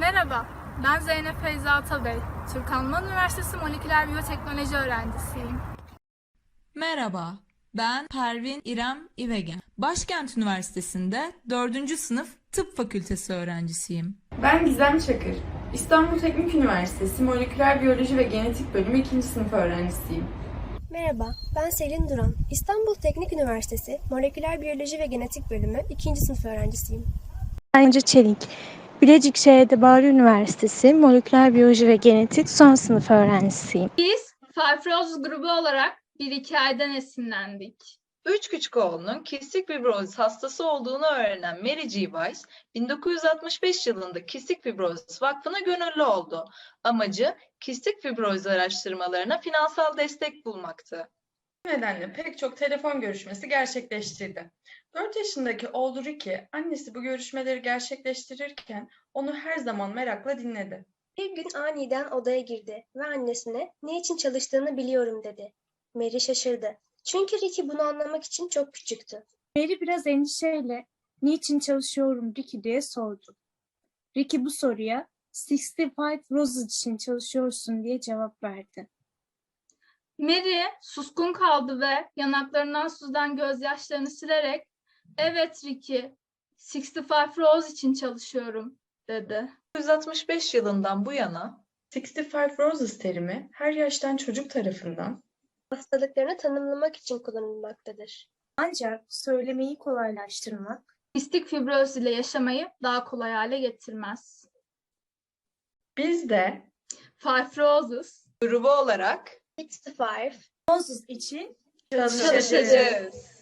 Merhaba, ben Zeynep Feyza Atabey. Türk Alman Üniversitesi Moleküler Biyoteknoloji öğrencisiyim. Merhaba, ben Pervin İrem İvegen. Başkent Üniversitesi'nde 4. sınıf Tıp Fakültesi öğrencisiyim. Ben Gizem Çakır. İstanbul Teknik Üniversitesi Moleküler Biyoloji ve Genetik Bölümü 2. sınıf öğrencisiyim. Merhaba, ben Selin Duran. İstanbul Teknik Üniversitesi Moleküler Biyoloji ve Genetik Bölümü 2. sınıf öğrencisiyim. Bence Çelik. Bilecik Şehir'de Bahri Üniversitesi Moleküler Biyoloji ve Genetik son sınıf öğrencisiyim. Biz Fibroz grubu olarak bir hikayeden esinlendik. Üç küçük oğlunun kistik fibrozis hastası olduğunu öğrenen Mary G. Weiss, 1965 yılında Kistik Fibrozis Vakfı'na gönüllü oldu. Amacı kistik fibrozis araştırmalarına finansal destek bulmaktı. Bu nedenle pek çok telefon görüşmesi gerçekleştirdi. 4 yaşındaki oğlu Ricky, annesi bu görüşmeleri gerçekleştirirken onu her zaman merakla dinledi. Bir gün aniden odaya girdi ve annesine "Ne için çalıştığını biliyorum." dedi. Mary şaşırdı. Çünkü Ricky bunu anlamak için çok küçüktü. Mary biraz endişeyle "Niçin çalışıyorum Ricky?" diye sordu. Ricky bu soruya 65 Roses için çalışıyorsun diye cevap verdi. Mary suskun kaldı ve yanaklarından süzülen gözyaşlarını silerek "Evet Ricky, 65 Rose için çalışıyorum." dedi. 1965 yılından bu yana 65 Roses terimi her yaştan çocuk tarafından Hastalıklarını tanımlamak için kullanılmaktadır. Ancak söylemeyi kolaylaştırmak, Kistik fibroz ile yaşamayı daha kolay hale getirmez. biz de Fibrosis grubu olarak 65 Roses için çalışacağız.